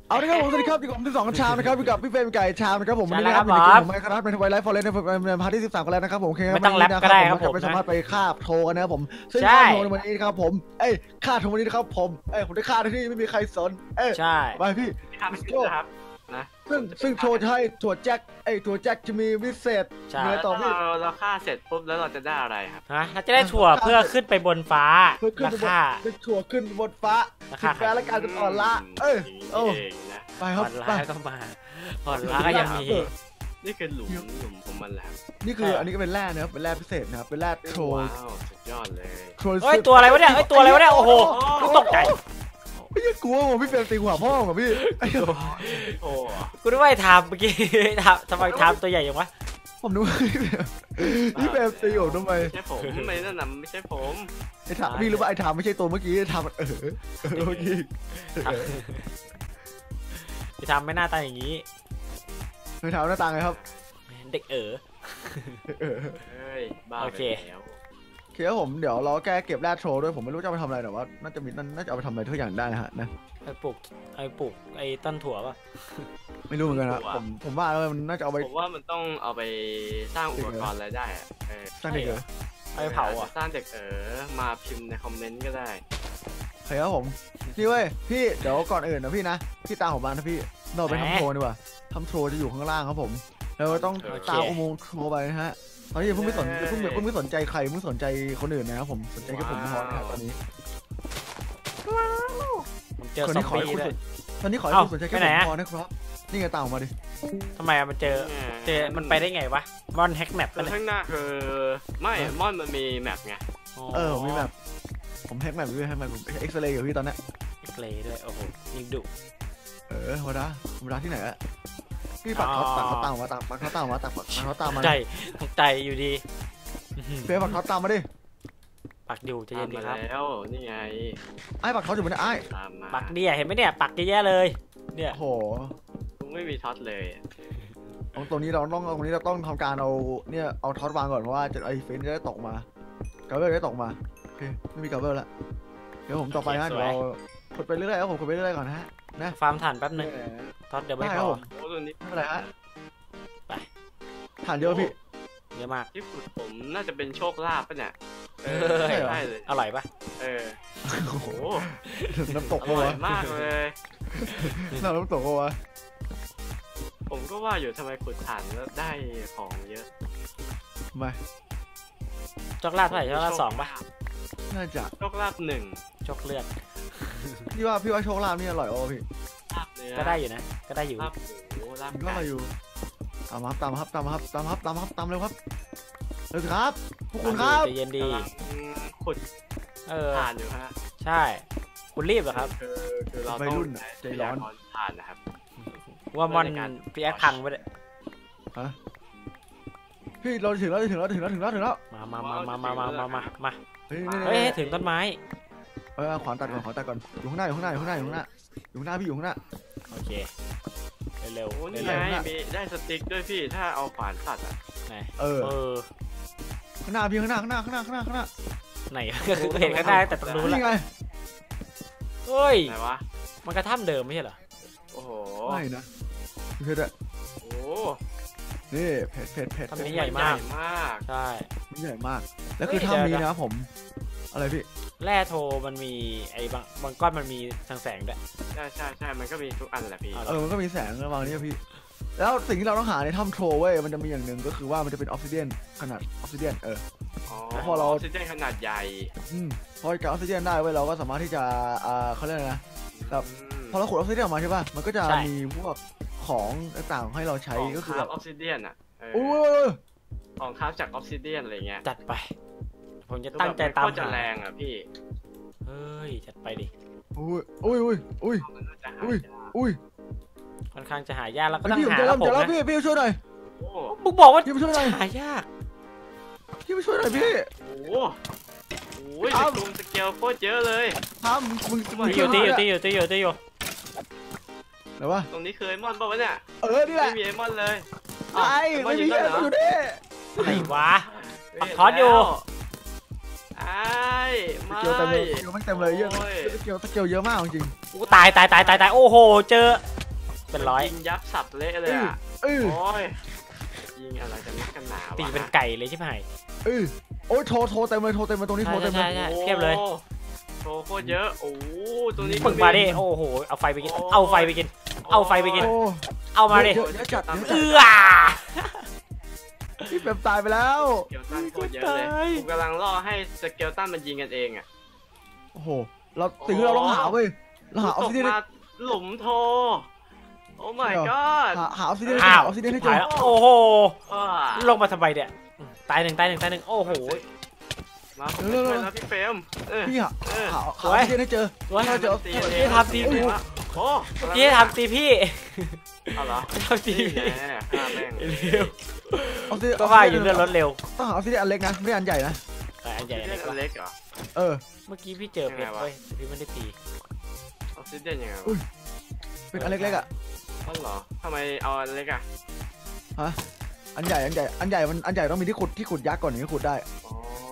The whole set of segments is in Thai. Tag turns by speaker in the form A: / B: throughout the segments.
A: เอาละครับผมสวัสดีครับอยู่กับผม12ชามนะครับอยู่กับพี่เฟรมไก่ชามนะครับผมวันนี้นะครับผมไม่ครับเป็นไวไลฟ์ฟอร์เรสต์ในพาร์ทที่13กันแล้วนะครับผม
B: ไม่ต้องแรปก็ได้ครับผม
A: ไม่สามารถไปฆ่าโทกันนะครับผมซึ่งฆ่าโทในวันนี้ครับผมฆ่าโทวันนี้นะครับผมผมได้ฆ่าที่ไม่มีใครสน
B: ใช่
A: ไปพี่
C: ทำโชว์ครับนะ
A: ซึ่งโชว์จะให้ถั่วแจ็คถั่วแจ็คจะมีวิเศษ
C: เมื่อต่อพี่เราฆ่าเสร็จปุ๊บแล้วเราจะได้อะไรครับ
B: เราจะได้ถั่วเพื่อขึ้นไปบนฟ้า
A: ราคาถั่วขึ้นบนฟ้าขึ้นฟ้าและการจะอ่อนละไปครับ
B: ไปก็มาอ่อนละก็ยังมี
C: นี่คือหลุมของมันแล้ว
A: นี่คืออันนี้ก็เป็นแร่นะครับเป็นแร่พิเศษนะครับเป็นแร่โทร
C: สุดยอดเลย
B: ตัวอะไรวะเนี่ยตัวอะไรวะเนี่ยโอ้โหตกใจ
A: ไม่กลัวผมพี่เฟรมตีหัวพ่อกับพี่
C: โอ้
B: กูนึกว่าทำเมื่อกี้ทำไมทำตัวใหญ่ยังวะ
A: ผมนึกว่าพี่เฟรมตีผมทำไม
C: ไม่ใช่ผมไม่นั่นน่ะไม่ใช่ผม
A: ถามพี่รู้ว่าไอ้ทำไม่ใช่ตัวเมื่อกี้ทำเมื่อกี้
B: ไอ้ทำไม่หน้าตาอย่างนี้
A: ไม่ทำหน้าตาไงครับ
B: เด็ก
C: โอเค
A: ครับผมเดี๋ยวเราแก้เก็บแร่โทรด้วยผมไม่รู้จะไปทำอะไรแต่ว่าน่าจะเอาไปทำอะไรทุกอย่างได้ฮะนะ
B: ไอ้ปลูกไอ้ต้นถั่วป่ะ
A: ไม่รู้เหมือนกันนะผมว่ามันน่าจะเอาไป
C: ผมว่ามันต้องเอาไปสร้างอุปกรณ์อะไรได้
A: สร้างเด็ก
B: ไปเผา
C: สร้างเด็กมาพิมพ์ในคอมเมนต์ก็ได้
A: ครับผมนี่เว้ยพี่เดี๋ยวก่อนอื่นนะพี่นะพี่ตามผมมานะพี่เราไปทำโทรดีกว่าทำโทรจะอยู่ข้างล่างครับผมเราต้องตามอุโมงค์โทรไปนะฮะตอนนี้เพิ่งไม่สนใจใครเพิ่งสนใจคนอื่นนะครับผมสนใจแค่ผมพอนะครับตอนนี้
B: คนนี้ขอให้คุณ
A: ตอนนี้ขอให้คุณสนใจแค่ผมพอนะครับนี่ไงตามออกมาดิ
B: ทำไมมันเจอมันไปได้ไงวะมอนแฮกแมป
C: ข้างหน้าคือไม่มอนมันมีแมปไง
A: มีแมปผมแฮกแมปด้วยแฮกแมปผมเอ็กซเรย์อยู่พี่ตอนนี้
B: เอ็กซเรย์ด้วยโอ้โหยิงดุ
A: ธรรมดาที่ไหนอะพี่ปักเขาตามมา
B: ใจอยู่ดี
A: เฟย์ปักเขาตามมาดิ
B: ปักอยู่จะเย็นดีครับ
C: แล้วนี่ไง
A: ปักเขาอยู่บนไอ้
B: ปักเดียเห็นไหมเนี่ยปักแย่เลยเนี่ย
A: โห
C: ไม่มีท็อตเลย
A: ตรงนี้เราต้องทำการเอาท็อตวางก่อนเพราะว่าไอ้เฟนจะได้ตกมากาเบลได้ตกมาโอเคไม่มีกาเบลแล้วเดี๋ยวผมต่อไปนะเดี๋ยวเราขุดไปเรื่อยๆผมขุดไปเรื่อยๆก่อนนะฮะนะ
B: ฟาร์มถ่านแป๊บนึงท็อตเดี๋ยวไม่พอ
C: ตัวนี้
A: ไม่เป็นไรฮะ
B: ไป
A: ถ่านเยอะพี่
B: เยอะมาก
C: ที่ขุดผมน่าจะเป็นโชคลาภป่ะเนี่ย
B: ได้เลยอร่อยป่ะ
C: โอ้โห
A: น้ำตก
C: อร่อยมากเลย
A: น้ำตกวะ
C: ผมก็ว่าอยู่ทำไมขุดถ่านแล้วได้ของเยอะ
A: ไม่
B: โชคลาภเท่าไหร่โชคลาภ2ป่ะ
A: น่าจะ
C: โชคลาภ1
B: โชคเลือด
A: พี่ว่าโชคลาภนี่อร่อยโอ้พี่
B: ก็ได้อยู่นะก็ได้อยู่
A: ก็อร่อยอยู่ตามเร็วครับพวกคุณครับ
B: ใจเย็นดี
C: ขุดถ่านอยู่ฮะ
B: ใช่คุณรีบเหรอครับ
C: คือเราต้อง
A: ใจร้อน
C: ถ่านนะครับ
B: ว่ามอนพีแอคพังไปเลย
A: ฮะพี่เราถึงแล้ว
B: มาเฮ้ยถึงต้นไม้
A: ขวานตัดก่อนอยู่ข้างหน้าพี่อยู่ข้างหน้า
B: โอเคเร็ว
C: นี่ไงมีได้สติ๊กด้วยพี่ถ้าเอาขวานตัดอ่ะ
B: ไหน
A: ข้างหน้าพี่ข้างหน้า
B: ไหนก็เห็นข้างหน้าแต่ตรงนู้นแล้วเฮ้ย
C: ไหนวะ
B: มันกระท่ำเดิมไม่ใช่เหรอ
C: โอ้โห
A: ไม่นะเพชร
C: โอ้
A: นี่เพชร
B: ทำนี้ใหญ่มากใช่
A: ใหญ่มากแล้วคือถ้ำนี้นะครับผมอะไรพี่
B: แร่โทมันมีไอ้บางก้อนมันมีแสงด้วย
C: ใช่มันก็มีทุกอันแหละพี่
A: มันก็มีแสงระหว่างนี้พี่แล้วสิ่งที่เราต้องหาในถ้ำโทรเว้ยมันจะมีอย่างหนึ่งก็คือว่ามันจะเป็นออกซิเดียนขนาดออกซิเดียน
C: พอเราออกซิเดียนขนาดใหญ่
A: พอจะออกซิเดียนได้เว้ยเราก็สามารถที่จะเขาเรียกนะแบบพอเราขุดออกซิเดียนออกมาใช่ป่ะมันก็จะมีพวกของต่างๆให้เราใช้ก็คือ
C: ออกซิเดียนอ่ะของคราฟจากออกซิเดียนอะไรเงี้ย
B: จัดไปผมจะตั้งใจตาม
C: ก็จะแรงอ่ะพี่
B: เฮ้ยจัดไปดิค่อนข้างจะหายากแล้วก็ต้องหาแล้วผมนะ
A: พี่ช่วยหน่อย
B: มึงบอกว่าหายาก
A: พี่ช่วยหน่อยพี่
C: โอ้ยลุงสเกลโคตรเยอะเลย
A: มึง
B: ตีอยู่
A: ไหนวะ
C: ตรงนี้เคยมอนป่าวเนี่ย
A: นี่แหละ
C: ไม่มีไอมอนเลย
A: ไม่มีอยู่ดิ
B: ไหนวะปักทอดอยู่
A: ไม่เต็มเลยเยอะสเกลเยอะมากจริง
B: กูตายโอ้โหเจอเป็นร้อย
C: ยิงยับสับเละเลยอ่ะ
A: เออ
C: โอ้ยยิงอะไรกันนักกันหนาวะ
B: ตีเป็นไก่เลยใช่ไหม
A: โอ้ยโทรเต็มเลยโทรเต็มเลยตรงนี้โทรเต็มเลย
B: ใช่เทียบเลย
C: โชว์โคตรเยอะโอ้ตัวนี้
B: ปึกมาดิโอ้โหเอาไฟไปกินเอาไฟไปกินเอาไฟไปกิน
A: โอ้
B: เอามาดิ
A: เยอะจัด
B: เอื้อ
A: พี่เฟรมตายไปแล้ว
C: สเกลตันโคตรเยอะเลยผมกำลังล่อให้สเกลตันมันยิงกันเองอ่ะ
A: โอ้โหเราสิ่งที่เราต้องหาเว้ยเราหาออ
C: ต
A: ก
C: ก
A: ซิเดียน
C: มาหลุมโทโอ้ my god
A: หาออกซิเดียน
B: อ้าว
A: ออกซิเดียนให้เจอ
B: โอ้โห
C: อ่า
B: ลงมาทำไมเนี่ยตายหนึ่งโอ้โห
C: มาผมไปช่วยแล้วพี่เฟรม
A: พี่หาออกซิเดียนให้เจอ
B: ว่า
A: เราเจอ
B: พี่ทำตีกู
C: โอ้
B: พี่ทำตีพี่
C: เอาเหรอ
B: ทำตี
C: นี่
B: พี่
C: ไงฆ่าแม่ง
B: เร็ว
A: ออกซิเดียน
B: ก็ว่าอยู่เรื่องรถเร็ว
A: ต้องหาออกซิเดียนอันเล็กนะไม่อันใหญ่นะ
B: อันใหญ่
C: เล่นอันเล็กเหรอ
A: เออ
B: เมื่อกี้พี่เจอเพชรเว้ยพี่ไม่ได้ตี
C: ออกซิเดียนยังไง
A: อุ้
C: วะ
A: ย เป็นอันเล็กๆอ่ะ
C: อ๋อเหรอทำไมเอาอันเล็กอ่ะ
A: อันใหญ่มันอันใหญ่ต้องมีที่ขุดยักษ์ก่อนถึงจะขุดได้
C: อ๋อ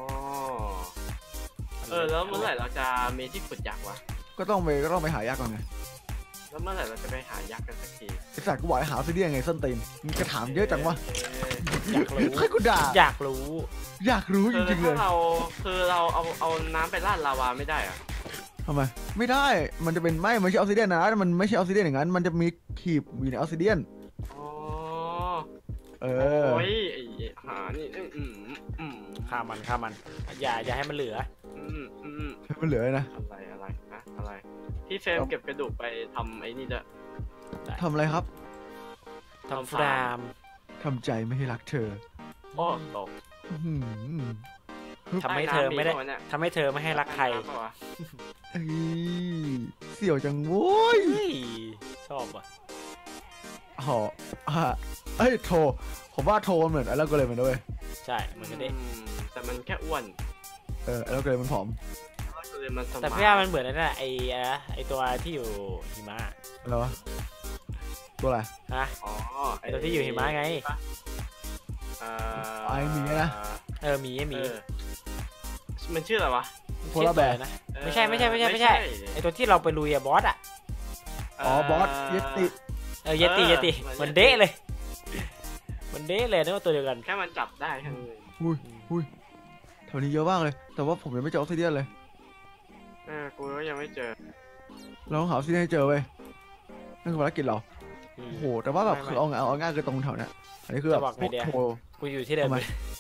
C: แล้วเมื่อไหร่เราจะมีที่ขุดยักษ์วะ
A: ก็ต้องไปหายักษ์ก่อนไง
C: แล้วเมื่อไหร่เราจะไปหายักษ์กันสักที
A: ไอ้สัตว์กูบอกให้หาออกซิเดียนไงส้นตีนมึงจะถามเยอะจังวะ
B: อยากรู้
A: ให้กูด่า
B: อยากรู้
A: อยากรู้จริงๆเล
C: ถ้าย เราเอาน้ำไปราดลาวาไม่ได้อะ
A: ทำไมไม่ได้มันจะเป็นไม่ใช่ออกซิเดียนนะมันไม่ใช่ออกซิเดียนอย่างนั้นมันจะมีขีบอยู่ในออกซิเดียน
C: อ๋อ
A: เออ
C: โอ้ยไอ้หานี่
B: ฆ่ามันอย่าให้มันเหลือ
A: ให้มันเหลือนะ
C: อะไรพี่เฟรมเก็บกระดูกไปทำไอ้นี่ด้วย
A: ทำอะไรครับ
B: ทำฟราม
A: ทำใจไม่ให้รักเธอ
C: โอ้ตก
A: อื้อหือ
B: ทำให้เธอไม่ได้
C: ใต้น้ำเนี่ย
B: ทำให้เธอไม่ให้รักใคร
C: ใต้น้ำเปล่าวะ
A: เอ้ยเสี่ยวจังโว้ย
B: เฮ้ยชอบว่ะ
A: หอเอ้ยโทรผมว่าโทรเหมือนไอ้แล้วก็เลยมันด้วย
B: ใช่มันก็ได้
C: แต่มันแค่อ้วน
A: ไอ้แล้วก็เลยมันผอม
C: ก็เลยมันสมาร์ท
B: แต่พี่ว่ามันเหมือนนั่นแหละไอตัวที่อยู่หิมะ
A: อะไรวะตัวอะไร
B: ฮะ
C: อ๋อ
B: ไอ้ตัวที่อยู่หิมะไง
A: ไอ้หมีนะ
B: หมี
C: มันชื่ออะไรวะ
A: โพลาร์แบร์
B: นะไม่ใช่ไอตัวที่เราไปลุยอะบอสอะ
A: อ๋อบอสเยติ
B: เยติมันเด้เลยมันเด้เลยนึกว่าตัวเดียวกัน
C: แค่มันจับได้แค่นั้นเอง
A: อุ้ยแถวนี้เยอะมากเลย แต่ว่าผมยังไม่เจอออกซิเดียนเลย
C: กูก็ยังไม่เจอ
A: เราต้องหาออกซิเดียนให้เจอเว้ยนั่นคือภารกิจเราโอ้โหแต่ว่าแบบคือเอาง่ายคือตรงแถวเนี้ยอันนี้คือแบบพวกโทร
B: กูอยู่ที่เดิม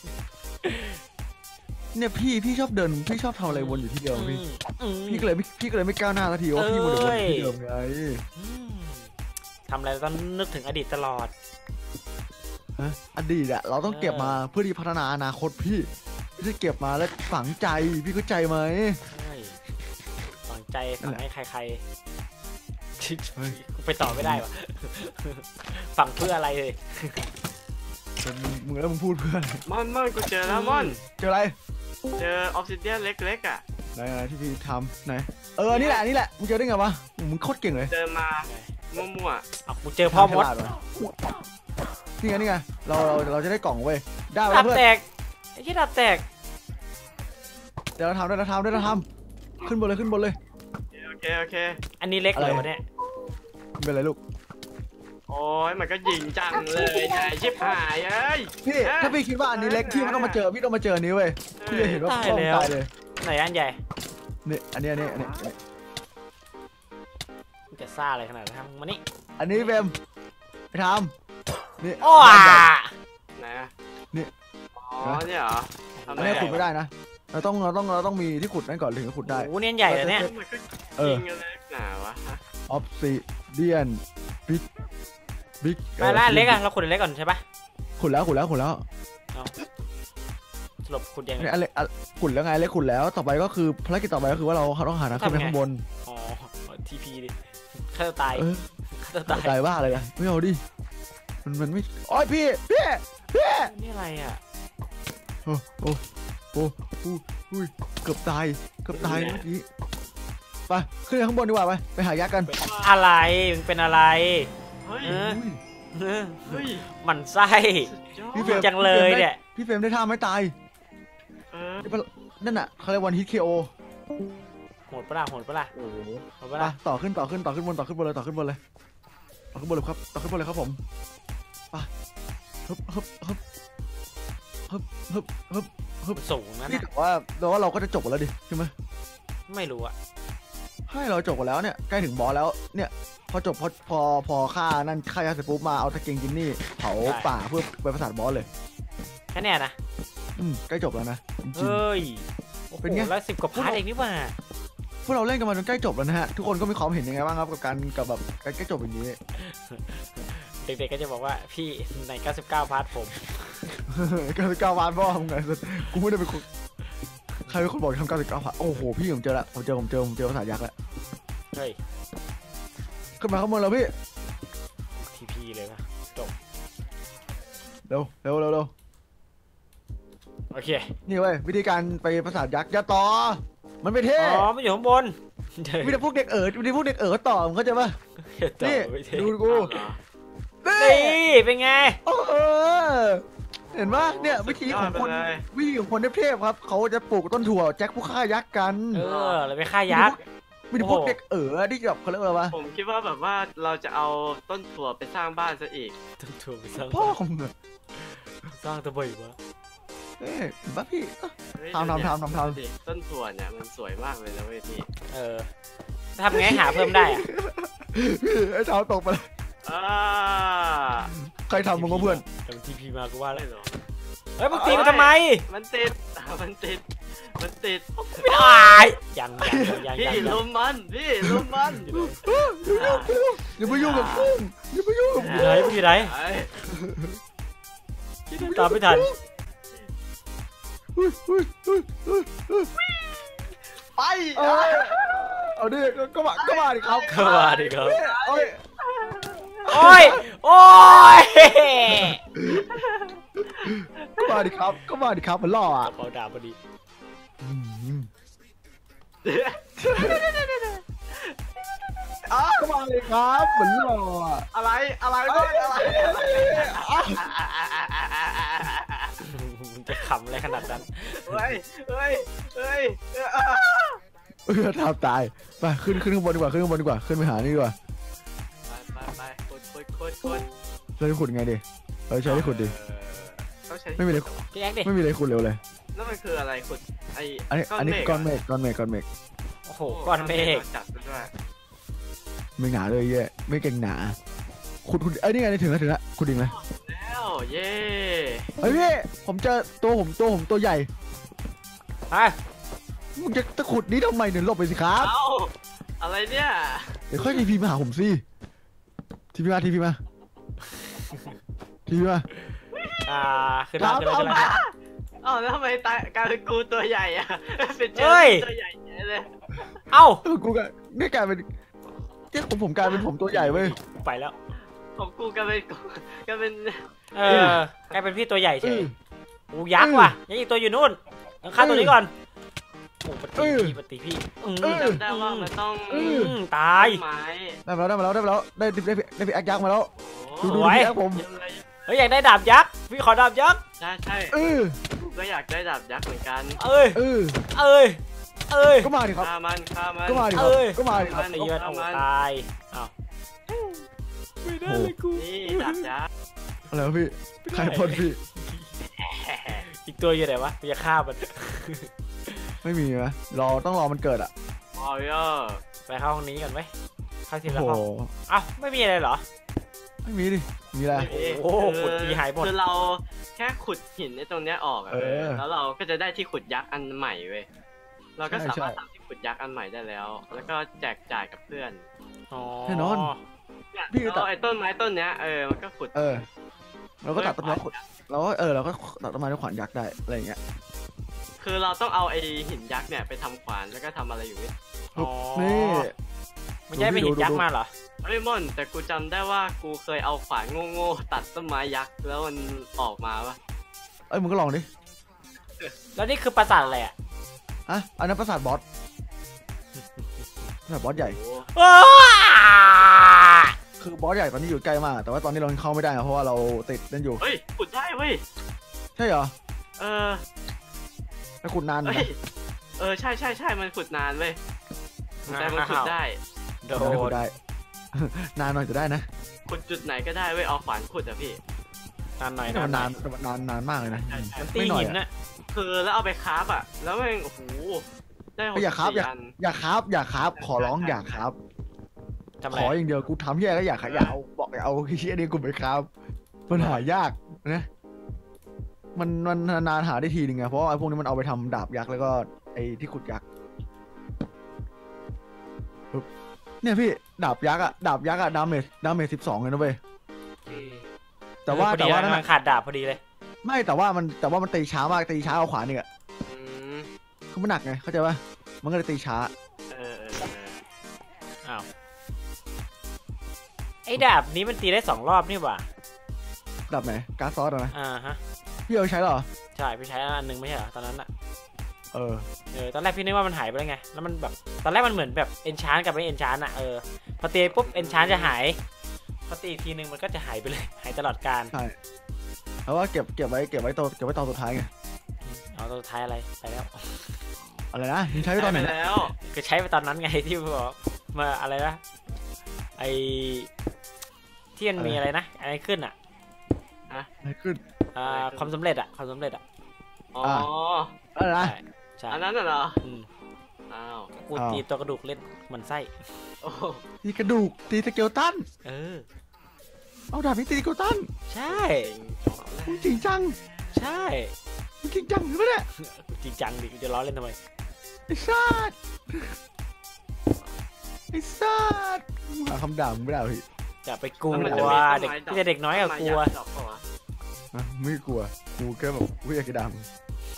A: เนี่ยพี่ชอบเดินพี่ชอบทำอะไรวนอยู่ที่เดิมพี่ก็เลยไม่ก้าวหน้าสักทีว่าพี่วนอยู่ที่เดิมไง
B: ทำอะไรต้องนึกถึงอดีตตลอด
A: อดีตอะเราต้องเก็บมาเพื่อที่พัฒนาอนาคตพี่จะเก็บมาแล้วฝังใจพี่เข้าใจไหม
B: ฝังใจฝังให้ใคร
A: เฮ้ย
B: ไปต่อไม่ได้วะฝังเพื่ออะไรเลย
A: มึงแล้วมึงพูดเพื่อน
C: ม่อนกูเจอแล้วม่อน
A: เจออะไร
C: เจอออฟซิเดียนเล็กๆอ่ะ
A: ไหนที่พี่ทำไหนนี่แหละมึงเจอได้ไงวะมึงโคตรเก่งเลย
C: เจอมามั่ว
B: เอากูเจอพ่อมด
A: นี่ไงเราจะได้กล่องเว้ยได้
B: ดั
A: แล้ว
B: บ
A: เพื่อน
B: แตกไอ้ที่ดับแตก
A: เดี๋ยวเราทำขึ้นบนเลย
C: ๆโอเค
B: อันนี้เล็กเลยวะเนี่ย
A: เป็นไรลูก
C: โอ้ยมันก็ยิงจังเลยนายชิบหายเอ้ย
A: พี่ถ้าพี่คิดว่าอันนี้เล็กพี่ไม่ต้องมาเจอพี่ต้องมาเจออันนี้เว้ยพี่จะเห็นว่าพ่อตายเลย
B: ไหนอันใหญ่
A: นี่อันนี้
B: จะซ่าอะไรขนาดนั้นมานี่
A: อันนี้เบมไปทำนี่
B: โอ้
C: ไหนอะ
A: นี่
C: อ๋อเนี่ยเหรอทำ
A: อันนี้ขุดไม่ได้นะเราต้องมีที่ขุดนั่นก่อนถึงจะขุดได้
B: โหเนี่ยใหญ่เลยเนี่ย
C: มันก็ยิงกันเลยหนาวะ
A: ออฟซิเดียนบิ๊ก
B: ไปล่าเล็กอะเราขุดเล็กก่อนใช่ปะ
A: ขุดแล้ว
B: สรุปขุดยังไง
A: อันเล็กขุดแล้วไงเล็กขุดแล้วต่อไปก็คือภารกิจต่อไปก็คือว่าเราต้องหาทางขึ้นไปข้างบน
B: อ๋อทีพีดิฆ่าตัวตาย ฆ่าตัวตาย
A: ตายบ้าเลยนะไม่เอาดิมันไม่โอ้ยพี่
B: นี่อะไรอ่ะ
A: โอ้เกือบตายเมื่อกี้ไปขึ้นไปข้างบนดีกว่าไปหายักษ์กัน
B: อะไรมันเป็นอะไร
C: เฮ้ย เฮ้ย
B: มันไส้
C: สุดยอด
B: จังเลยเนี่ย
A: พี่เฟรมได้ท่าไม่ตาย นั่นน่ะเขาเรียกวันฮิตเคโอ
B: โหดปะล่ะ
A: โอ้โห
B: โหดปะล่ะ
A: ต่อขึ้นบนเลยไปขึ้นบนเลยครับต่อขึ้นบนเลยครับผมไปฮึบฮึบฮึบฮึบฮึบฮึบฮึบ
B: สูงนะ
A: นี่
B: เนี่ย
A: แต่ว่าเราก็จะจบกันแล้วดิใช่ไหม
B: ไม่รู้อะ
A: ให้เราจบกันแล้วเนี่ยใกล้ถึงบอสแล้วเนี่ยพอจบพอฆ่านั่นฆ่ายาเสร็จปุ๊บมาเอาตะเกียงกินนี่เผาป่าเพื่อไปประสาทบอสเลย
B: แค่เนี้ยนะ
A: ใกล้จบแล้วนะจริง
B: เฮ้ยโอ้โห
A: เป็นไง
B: แล้ว10 กว่าพาร์ทเองนี่หว่า
A: ๆพวกเราเล่นกันมาจนใกล้จบแล้วนะฮะทุกคนก็มีความเห็นยังไงบ้างครับกับแบบการใกล้จบอย่างนี้
B: เด็กๆก็จะบอกว่าพี่ใน99 พาร์ทผม
A: 99 วันพ่อมึงไงกูไม่ได้เป็นคนใครเป็นคนบอกทำ99 วันโอ้โหพี่ผมเจอแล้วผมเจอภาษายักษ์แล้ว
B: เฮ้ย
A: ขึ้นมาข้างบนแล้วพี่
B: ทีพีเลยปะ
A: เร็ว
B: โอเค
A: นี่เว้ยวิธีการไปภาษายักษ์อย่าต่อมันไม่เท่
B: อ๋อมันอยู่ข้างบน
A: มีแต่พวกเด็กต่อมึงเข้าใจปะนี่ดูกู
B: นี่เป็นไง
A: เห็นปะเนี่ยวิธีของคนเทพครับเขาจะปลูกต้นถั่วแจ็คผู้ฆ่ายักษ์กัน
B: เราไปฆ่ายักษ์
A: มีแต่พวกเด็กที่แบบเขาเรียกว่าอะไรวะ
C: ผมคิดว่าแบบว่าเราจะเอาต้นถั่วไปสร้างบ้านซะอีก
B: ต้นถั่วไปสร้าง
A: พ่อของมึง
B: สร้างตะบ่อยวะ
A: เห็นปะพี่
C: เฮ้ย
A: ทำ
C: ดิต้นถั่วเนี่ยมันสวยมากเลยนะเว้ยพี่
B: ทำไงหาเพิ่มได้อะ
A: พี่ไอ้เท้าตกไปเลย
C: อ่า
A: ใครทำมึงก็เพื่อน
B: แต่มันทีพีมากูว่าแล้ว
C: ไม่หรอ
B: เฮ้ยมึงตีมันทำไม
C: มันติด มันติด
B: ไม่ได้ยัง
C: พี่ลุมมันพี่ลุมมัน
A: อย่าไปยุ่งกับกุ้งอย่าไปยุ่งกับ
B: อ
A: กุ้
B: ยู่ไหนมึงอยู่ไหน
C: ไอ้
B: ตามไม่ทัน
C: ไป
A: เอาดิก็มาดิครับ
B: เข้ามาดิครับ
A: โอ้ย
B: โอ้ยโอ้ย
A: ก็มาดิครับมันล่ออ่ะ
B: เขาด่าพอดี
A: ก็มาเลยครับเหมือนล่ออ่ะ
C: อะไรวะอะไร
B: มึงจะขำอะไรขนาดนั้น
C: เฮ้ย
A: ทำตายไปขึ้นข้างบนดีกว่าขึ้นไปหานี่ดีกว่า
C: ไปขุด
A: เราจะขุดไงดิใช้ได้ขุดดิ
C: ต้องใช้
A: ไม่มีอะไร
B: พี่แอ๊กดิ
A: ไม่มีอะไรขุดเร็วเลย
C: แล้วมันคืออะไรขุด
A: อันนี้ก้อนเมฆ
B: โอ้โหก้อนเมฆ
C: จัดด้วย
A: ไม่หนาเลยเย่ไม่เก่งหนาขุดไอ้นี่ไงถึงแล้วขุดดิงไหม
C: แล้วเย้
A: เฮ้ยพี่ผมเจอตัวตัวใหญ่
B: ไป
A: มึงจะตะขุดนี้ทำไมเนี่ยหลบไปสิครับ
C: เอ้าอะไรเนี่ย
A: เดี๋ยวค่อยทีพีมาหาผมสิทีพีมาขึ้นมา
B: ขึ้นมา
C: เอ้าแล้วทำไมกลายเป็นกูตัวใหญ่อะเป็นเจ้าตัวใหญ่เลย
B: เอ้า
A: กูก็นี่กลายเป็นผมกลายเป็นผมตัวใหญ่เว้ย
B: ไปแล้ว
C: ของกูกลายเป็นกลายเป็น
B: พี่ตัวใหญ่เฉยโอ้ยักษ์ว่ะยังอีกตัวอยู่นู่นยังฆ่าตัวนี้ก่อนโอ้ปฏิพี่
C: จำได้ว่ามันต้อง
B: ตาย
C: ไม้
A: ได้มาแล้วได้พี่แอคยักษ์มาแล้วดูพี่แอคผม
B: เฮ้ยอยากได้ดาบยักษ์พี่ขอดาบยักษ์
C: ใช่ก็อยากได้ดาบยักษ์เหมือนกัน
A: ก็มาดิครับ
C: ฆ่ามัน
A: ก็มาดิครับ
B: ตีมันโอ้ตายอ้าวไม่ได้เลยกู
C: นี่ดาบยักษ์
A: อะไรวะพี่ใครพ่นพี่
B: อีกตัวอยู่ไหนวะจะฆ่ามัน
A: ไม่มีไหมต้องรอมันเกิดอ่ะ
C: โอ้ย
B: ไปเข้าห้องนี้ก่อนไหมเข้าทีละ
A: โอ้
B: ห้องอ้าวไม่มีอะไรเหรอ
A: ไม่มีดิมีอะไร
B: โอ้ขุดทีหายหมด
C: คือเราแค่ขุดหินในตรงเนี้ยออกแล้วเราก็จะได้ที่ขุดยักษ์อันใหม่เว้ยเราก็สามารถทำที่ขุดยักษ์อันใหม่ได้แล้วแล้วก็แจกจ่ายกับเพื่อน
A: แน่นอน
C: พี่ตัดไอ้ต้นไม้ต้นเนี้ยมันก็ขุด
A: เราก็ตัดต้นไม้ขุดเราก็ตัดต้นไม้ด้วยขวานยักษ์ได้อะไรอย่างเงี้ย
C: คือเราต้องเอาไอ้หินยักษ์เนี่ยไปทำขวานแล้วก็ทำอะไรอยู่นี่
A: นี่
B: มันย้ายไปหินยักษ์มาเหรอ
C: เฮ้ยม่อนแต่กูจำได้ว่ากูเคยเอาขวานโง่ๆตัดต้นไม้ยักษ์แล้วมันออกมาปะ
A: มึงก็ลองดิ
B: แล้วนี่คือปราสาทอะไรอ่ะ
A: อันนั้นปราสาทบอสใหญ่คือบอสใหญ่ตอนนี้อยู่ใกล้มากแต่ว่าตอนนี้เราเข้าไม่ได้เพราะว่าเราติดนั่นอยู่
C: เฮ้ยขุดได้เว้ย
A: ใช่เหรอ
C: แล้ว
A: ขุดนานนะ
C: ใช่มันขุดนานเว้ยแต่มันขุดได้
B: โด
A: ขุด
B: น
A: ได้นานหน่อยจะได้นะ
C: ขุดจุดไหนก็ได้เว้ยเอาขวานขุดอะพี่
B: นานหน่อย
A: แต่มัน
B: ห
A: นาน
B: อย
A: นานมากเลยนะ
C: ใช่ใช่
B: มันตี
A: ไม่หน่อย
B: หิน
A: อะ
B: น่ะ
C: คือแล้วเอาไปคราฟอะแล้วแม่งโอ้โหได้หก
A: อย่าคราฟ
C: สี่อัน
A: อย่าครับขอร้องอย่าครับ
B: ทำ
A: ข
B: ไร
A: ออย่างเดียวกูทำแย่ก็อย่าเอาบอกอย่าเอาเชี่ยนี่กูไปครับมันหายากนะมันนานหาได้ทีนึงไงเพราะว่าไอ้พวกนี้มันเอาไปทำดาบยักษ์แล้วก็ไอ้ที่ขุดยักษ์ปึ๊บเนี่ยพี่ดาบยักษ์อะดาเมจ12เลยนะเว้ยแต่ว่า
B: พอดี
A: นั่น
B: มันขาดดาบพอดีเลย
A: ไม่แต่ว่ามันตีช้ามากตีช้าเอาขวานนี่อะ
C: อืม
A: คือมันหนักไงเข้าใจป่ะมันก็เลยตีช้า
C: เออ
B: อ้าวไอ้ดาบนี้มันตีได้2 รอบนี่หว่า
A: ดาบไหนการ์ดซอสอะนะ
B: ฮะ
A: พี่เอาใช้เหรอ
B: ใช่ไปใช้อันหนึงไม่ใช่เหรอตอนนั้นอะ
A: เออ
B: ตอนแรกพี่นึกว่ามันหายไปแล้วไงแล้วมันแบบตอนแรกมันเหมือนแบบเอนชานกับไม่เอนชานอะพอตีปุ๊บเอนชานจะหายพอตีอีกทีนึงมันก็จะหายไปเลยหายตลอดกาล
A: ใช่เพราะว่าเก็บไว้ตอนสุดท้ายไง
B: เอาตัวท้ายอะไรไปแล้ว
A: อะไรนะมึงใช้ไว้ตอนไหน
C: ป
A: นะ
C: แล้ว
B: ก็ใช้ไปตอนนั้นไงที่บอกมาอะไรนะไอที่มันมีอะไรนะอะไรขึ้นอะ
A: อะไรขึ้น
B: ความสำเร็จอะความสำเร็จอะ
C: อ๋อ
A: อะไรนะ
B: ใช่
C: อันนั้นน่ะเหรอ
B: อืม
C: อ้าว
B: กูตีตัวกระดูกเล่นมันไส้
C: โอ้โห
A: ตีกระดูกตีสเกลตัน เอาดาบนี้ตีสเกลตัน
B: ใช่
C: เจ๋ง
A: มึงจริงจัง
B: ใช่
A: มึงจริงจังหรือเปล่าเนี่ย
B: จริงจังดิจะล้อเล่นทำไม
A: ไอ้สัสไอ้สัสมึงหาคำด่ามึงไม่ได้เหรอพี่
B: จะไปกลัวเด็กที่เด็กน้อยกับกลัว
C: ดอกเปล่าวะ
A: ฮะไม่กลัวกูแค่แบบกูอยากจะด่ามึง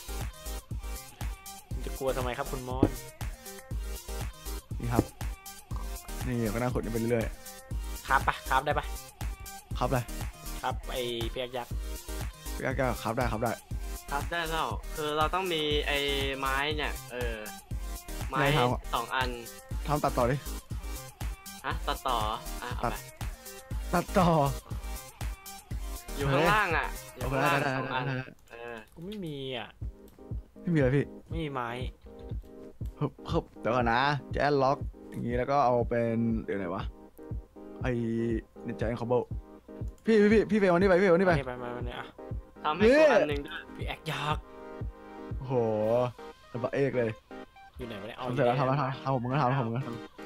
B: จะกลัวทำไมครับคุณมอน
A: นี่ครับนี่ก็น่าขดกันไปเรื่อย
B: ครับปะครับได้ปะ
A: ๆครับเลย
B: ครับไอเปียกยักษ์
A: ก็ครับได้
C: ครับได้แล้วคือเราต้องมีไอ้ไม้เนี่ยไม้2 อัน
A: ทำตัดต่อดิ
C: ฮะตัดต่ออ่ะเอาไป
A: ตัดต่อ
C: อยู่ข้างล่างอ่ะอยู่
A: เอาไป
C: ข้าง
A: ได้
C: ล่าง
A: ได้
C: 2 อัน
A: ได้
B: กูไม่มีอ่ะ
A: ไม่มีอะไรพี่
B: ไม่มีไม้
A: เฮ้บเดี๋ยวก่อนนะแจ๊สล็อกอย่างงี้แล้วก็เอาเป็นเดี๋ยวไหนวะไอ้เนี่ยแจ๊สคอมโบพี่ไปวันนี้ไปพี่วันนี้ไป
B: ไปเนี่ยอ่ะ
C: ทำให้กูอันหนึ่งด้วย
B: เปียกยักษ์
A: โอ้โหระเบิดเอกเลย
B: อยู่ไหนวะเนี่ย
A: ทำเสร็จแล้วทำผมก็ทำต่อไป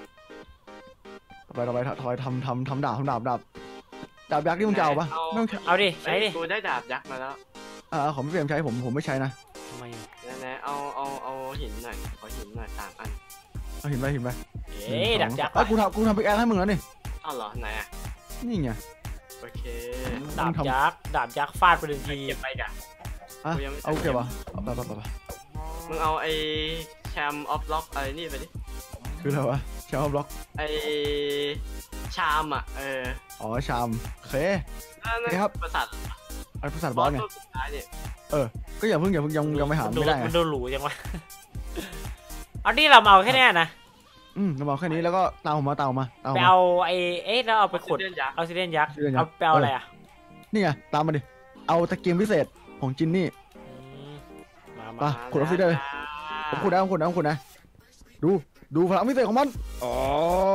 A: ทำดาบยักษ์ที่มึงจะเอาปะไม่ต้องใช้
B: เอาดิใช้ดิ
C: กูได้ดาบยักษ์มาแล้ว
A: ของพี่เฟรมใช้ผมไม่ใช้นะ
B: ทำไมอ่ะ
C: ไหนๆเอาหินหน่อยขอหินหน่อย3 อัน
A: เอาหินไป
B: ดักยักษ์
A: กูทำปิกแอคให้มึงแล้วนี่
C: อ้าวเหรอไหนอ่ะ
A: นี่ไง
C: โอเค
B: ดาบยักษ์ฟาดไป1 ที
C: เก็บไปกัน
A: เอาเก็บวะไป
C: มึงเอาไอ้แชมออฟล็อกอะไรนี่ไปดิ
A: คืออะไรวะชามบล็อก
C: ไอ้ชามอ่ะ
A: อ๋อชามโอเค
C: นั่น
A: ครับ
C: ประสาท
A: อันภาษาบอสไง
C: ตัวสุดท้ายเนี่ย
A: ก็อย่าเพิ่งยังไม่หาไม่ได้ไง
B: มันดูหรูจังวะเอานี่เราเอาแค่นี้นะ
A: เราบอกแค่นี้แล้วก็ตามผมมา
B: ไปเอาแล้วเอาไปขุด
C: เดือนยักษ์
B: เอาซิเดียนยักษ์เอาไปเอาอะไรอ่ะ
A: นี่ไงตามมาดิเอาตะเกียงพิเศษของจินนี่
B: มา
A: ขุดออฟฟิศได้เลย ผมขุดนะดูพลังพิเศษของมันอ๋อ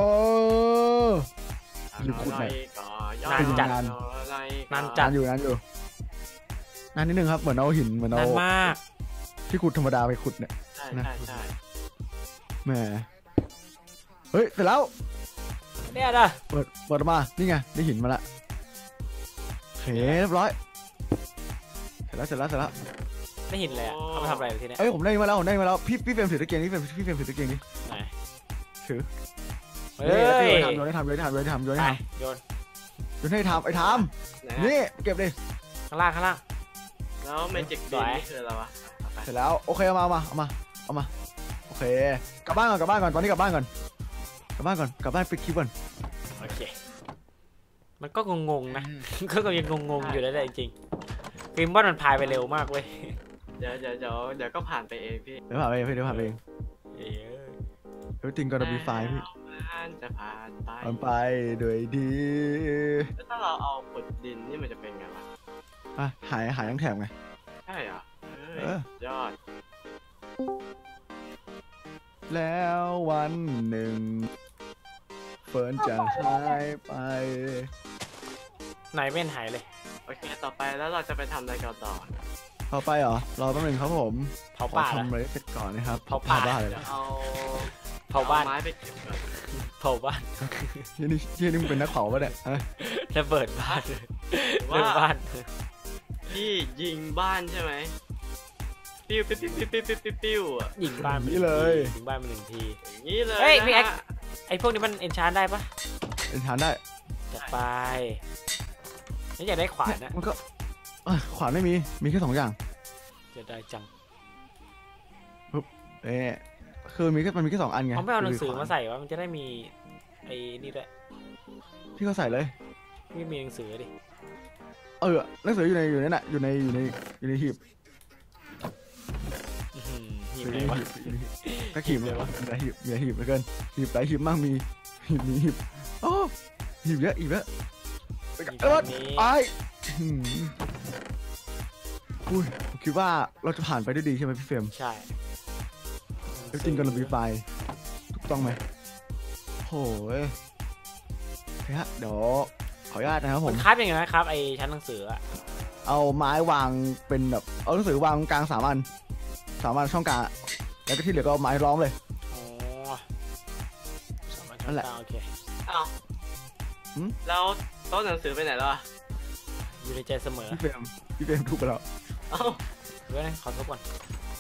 A: หรือขุดไหน
B: นานจัด
A: นานอยู่นานนิดนึงครับเหมือนเอาหินเหมือนเอา
B: นานมาก
A: ที่ขุดธรรมดาไปขุดเนี่ย
C: ใช่
A: แหมเฮ้ยเสร็จแล้ว
B: เนี่ยนะ
A: เปิดออกมานี่ไงได้หินมาละโอเคเรียบร้อยเสร็จแล้ว
B: ไม่เห็นเลยเอาไปทำอะไรทีเนี้ย
A: ผมได้มาแล้วพี่เฟรมถือตะเกียงนี่พี่เฟรมถือตะเกียงนี่
B: ไหน
A: ถือ
B: เฮ้ย
A: โยนให้ทำ
B: โยน
A: ให้ทำไอ้ทำนี่เก็บดิ
B: ข้างล่าง
C: แล้วเมจิกบีนี่คืออะไรวะ
A: เสร็จแล้วโอเคเอามาโอเคกลับบ้านก่อนตอนนี้กลับบ้านปิดคลิปก่อน
B: โอเคมันก็งงๆนะก็ยังงงๆอยู่แล้วจริงๆฟิล์มว่ามันพายไปเร็วมากเว้ย
C: เดี๋ยวก็ผ่านไปเองพี่
A: เดี๋ยวผ่านไปเองeverything gonna be fine พี่
C: มันจะผ่านไป
A: มันไปด้วยดี
C: แล้วถ้าเราเอาขุดดินนี่มันจะเป็นไงวะ
A: หายทั้งแถบไง
C: ใช่เหรอ
A: เออ
C: ยอด
A: แล้ววันหนึ่งเฟิร์นจะหายไป
B: ไหนไม่เห็นหายเลย
C: โอเคต่อไปแล้วเราจะไปทำอะไรกันต่อ
A: ต่อไปเหรอรอแป๊บนึงครับผม
B: เผา
A: ขอ
B: ป่าเหรอ
A: ทำอะไรเสร็จก่อนนะครับ
B: เผาป่า
A: บ้าเลย
C: จะเอา
B: เผาบ้าน
C: ไม้ไปเก็บก่อน
B: เผาบ้าน
A: ที่นี่มึงเป็นนักเผาปะเนี่ยฮะ
B: ระเบิดบ้าน
C: หรือ
B: ระเบิด
C: ว่า
B: บ้าน
C: พี่ยิงบ้านใช่ไหมปิ้วปิ้วปิ้วปิ้วปิ้วปิ้วปิ้วอ่ะ
B: ยิงบ้าน
A: นี่เลย
B: ยิงบ้านมาหนึ่งที
C: อย่างนี้เลย
B: เฮ้ยพี่
C: นะ
B: แอ๊ก
C: ฮะ
B: ไอพวกนี้มันเอนชานได้ปะ
A: เป็นฐานได้
B: จัดไปนี่อยากได้ขวานนะ
A: มันก็ขวานไม่มีมีแค่2อย่าง
B: จะได้จัง
A: คือมันมีแค่2อันไง
B: เขาไม่เอาหนังสือมาใส่วะมันจะได้มีไอ้นี่ด้วย
A: พี่ก็ใส่เลย
B: ไม่มีหนังสือดิ
A: หนังสืออยู่ในนั่นน่ะอยู่ในหีบ
B: อื้อหือหีบ
A: อยู่
B: ไหน
A: ใน
B: วะ
A: หีบก็หีบเลยวะมีหลายหีบเหลือเกินหีบหลายหีบมากมีหีบโอ้หีบเยอะไปกัน
B: หีบนี้
A: ไปอุ้ยผมคิดว่าเราจะผ่านไปได้ดีใช่ไหมพี่เฟรม
B: ใช่
A: แล้วจริงกันเรามีไฟถูกต้องไหมโอ้ยโอเคฮะเดี๋ยวขออนุญาตนะครับผ
B: มั
A: ม
B: นคราฟยังไงนะครับไอ้ชั้นหนังสืออะ
A: เอาไม้วางเป็นแบบเอาหนังสือวางกลาง3 อันช่องกลางอะแล้วก็ที่เหลือก็เอาไม้ล้อมเลย
B: อ๋อสามารถ
A: นั่นแหละ
B: โอเค
C: เอ้า
A: หืม
C: แล้วโต๊ะหนังสือไปไหนแล้วอะ
B: อยู่ในใจเสมอ
A: พี่เฟรมถูกไปแล้ว
C: เอ้า
B: เดี๋ยวนะขอทบก่อน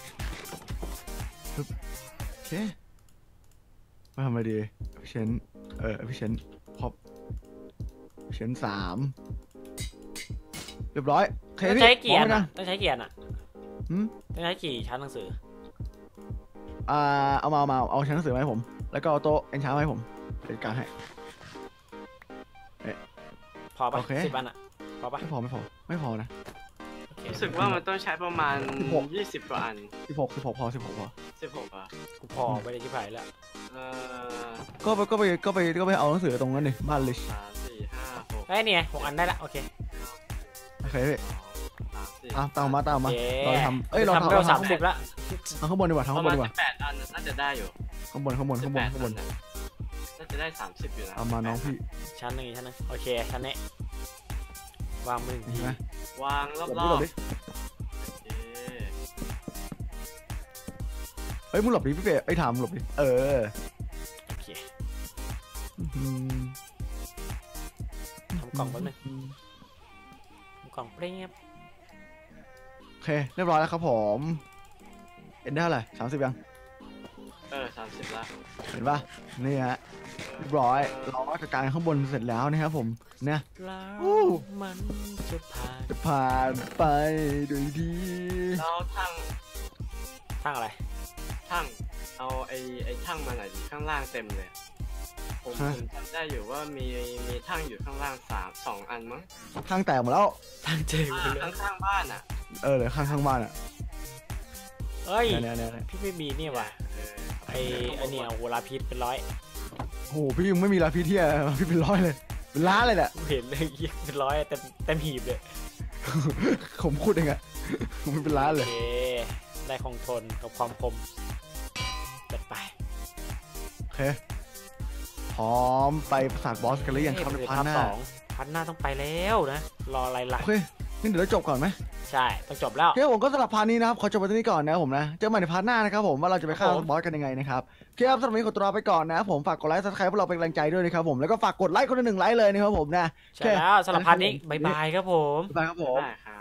A: โอเคมาทำอะไรดีพี่เชนพี่เชนพอปพี่เชน3เรียบร้อยโอเค
B: ต้อง
A: พี่
B: ใช้เกียร์
A: พร้อมไหม
B: นะ
A: นะ
B: ต้องใช้เกียร์น่ะ
A: หืม
B: ต้องใช้กี่ชั้นหนังสือ
A: เอาชั้นหนังสือมาให้ผม แล้วก็เอาโต๊ะเอ็นช้ามาให้ผมจัดการให้
B: พอปะ
A: โอเค
B: 10 อันอะพอปะ
A: ไม่พอนะ
B: โอเค
C: รู้สึกว่ามันต้องใช้ประมาณ
A: 16
C: 20 กว่าอัน
A: 16พอ
C: 16อ่ะ
B: กูพอไปเลยชิบหายแล้ว
C: เอ่อ
A: ก็ไปเอาหนังสือตรงนั้นดิบ้านลิช
C: 3 4 5 6
B: เฮ้ยเนี่ย6 อันได้ละโอเค
A: โอเคพี่
C: 3 4
A: ตามมา
B: เย้
A: เราทำเรา
B: ทำ
A: ทำ
B: เร็ว
A: ข้างบน
B: 30ละ
A: ข้างบนดีกว่า
C: ป
A: ข้าง
C: ระ
A: บ
C: มาน ณ
A: ดีกว่า
C: 18 อันน่าจะได้อยู่
A: ข้างบน
C: 18อันน่ะน่าจะได้ 30 อยู่นะ
A: เอามาน้องพี่
B: ชั้นหนึ่งอีกชั้นหนึ่งโอเคชั้นนี้วางมือหนึ่ง
A: เห็
B: ที
A: นไหม
C: วางร
A: หล
C: อ
A: บบ ดิ
C: ๆโอเค
A: เฮ้ยมึงหลบดิพี่เป๋ไอ้ถามหลบดิ
B: โอเค
A: อืม
B: ทำกล่องแป๊บนึงทำกล่องเปรี้ยบ
A: โอเคเรียบร้อยแล้วครับผมเอ็นได้เท่าไหร่30ยัง
C: 30ละ
A: เห็นป่ะนี่ฮะเรียบร้อยเราก็จัดการข้างบนเสร็จแล้วนะครับผมเนี่ย
B: แล้ว
A: อู้
B: มันจะผ่าน
A: จะผ่านไปโดยดี
C: แล้วทั้ง
B: ทั้งอะไร
C: เอาไอ้ทั้งมาหน่อยดิข้างล่างเต็มเลยผมจำได้อยู่ว่ามีทั้งอยู่ข้างล่าง2 อันมั้ง
A: ข้างแตกหมดแล้ว
B: ทั้งเจอกูเลย
C: ข้างบ้านอ่ะ
A: เหลือข้างบ้านอ่ะ
B: เอ้ย
A: เนี่ย
B: พี่ไม่มีนี่ว่ะ
C: เออ
B: ไอ้เนี่ยโหราพิษเป็นร้อย
A: โอ้โหพี่ยังไม่มีลาพี่เที่ยพี่เป็น100เลยเป็นล้านเลยแหละ
B: กูเห็นเลยยี่เป็นร้อยเต็มหีบเลย
A: ผมพูดเองอะผมเป็นล้าน
B: โอ
A: เลย
B: เคได้คงทนกับความคมจัดไป
A: โอเคพร้อมไปประสาทบอสกันหรือยังครับในพาร์ทหน้า
B: พาร์ทหน้าต้องไปแล้วนะรออะไรล่ะ
A: โอเคงั้นเดี๋ยวเราจบก่อนไหม
B: ใช่ต้องจบแล้ว
A: โอเคผมก็สำหรับพาร์ทนี้นะครับขอจบไปตรงนี้ก่อนนะครับผมนะเจอกันใหม่ในพาร์ทหน้านะครับผมว่าเราจะไปฆ่า
B: ครับผม
A: บอสกันยังไงนะครับโอเคครับสำหรับวันนี้ขอตัวลาไปก่อนนะครับผมฝากกดไลค์ซับสไครป์พวกเราเป็นกำลังใจด้วยนะครับผมแล้วก็ฝากกดไลค์คนละ1 ไลค์เลยนะครับผมนะ
B: ใช่แล้วสำหรับพาร์ทนี้บายบายครับผม
A: บ๊ายบายครับผม
C: ได้ครับ